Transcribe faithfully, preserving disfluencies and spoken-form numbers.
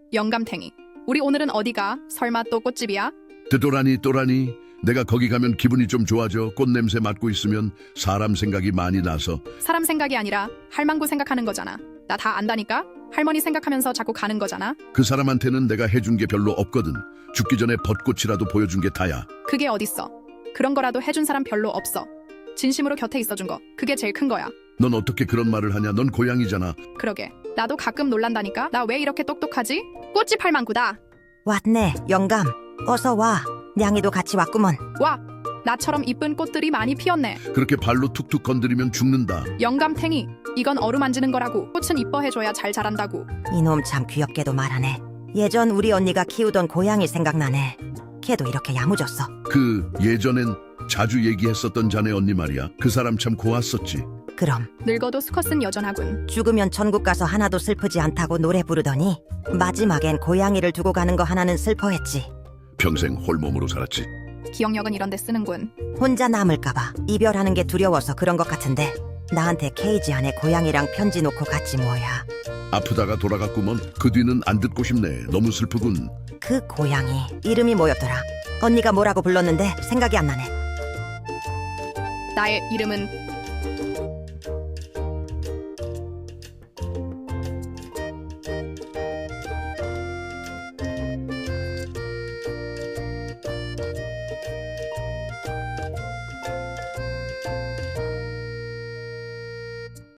영감탱이. 우리 오늘은 어디가? 설마 또 꽃집이야? 뜨도라니 또라니 내가 거기 가면 기분이 좀 좋아져. 꽃냄새 맡고 있으면 사람 생각이 많이 나서. 사람 생각이 아니라 할망구 생각하는 거잖아. 나 다 안다니까? 할머니 생각하면서 자꾸 가는 거잖아. 그 사람한테는 내가 해준 게 별로 없거든. 죽기 전에 벚꽃이라도 보여준 게 다야. 그게 어딨어. 그런 거라도 해준 사람 별로 없어. 진심으로 곁에 있어준 거. 그게 제일 큰 거야. 넌 어떻게 그런 말을 하냐. 넌 고양이잖아. 그러게. 나도 가끔 놀란다니까? 나 왜 이렇게 똑똑하지? 꽃집 할망구다. 왔네, 영감. 어서 와. 냥이도 같이 왔구먼. 와! 나처럼 이쁜 꽃들이 많이 피었네. 그렇게 발로 툭툭 건드리면 죽는다. 영감탱이. 이건 어루만지는 거라고. 꽃은 이뻐해줘야 잘 자란다고. 이놈 참 귀엽게도 말하네. 예전 우리 언니가 키우던 고양이 생각나네. 걔도 이렇게 야무졌어. 그 예전엔 자주 얘기했었던 자네 언니 말이야. 그 사람 참 고왔었지. 그럼 늙어도 수컷은 여전하군. 죽으면 천국 가서 하나도 슬프지 않다고 노래 부르더니 마지막엔 고양이를 두고 가는 거 하나는 슬퍼했지. 평생 홀몸으로 살았지. 기억력은 이런 데 쓰는군. 혼자 남을까봐 이별하는 게 두려워서 그런 것 같은데 나한테 케이지 안에 고양이랑 편지 놓고 갔지 뭐야. 아프다가 돌아갔구먼. 그 뒤는 안 듣고 싶네. 너무 슬프군. 그 고양이 이름이 뭐였더라? 언니가 뭐라고 불렀는데 생각이 안 나네. 나의 이름은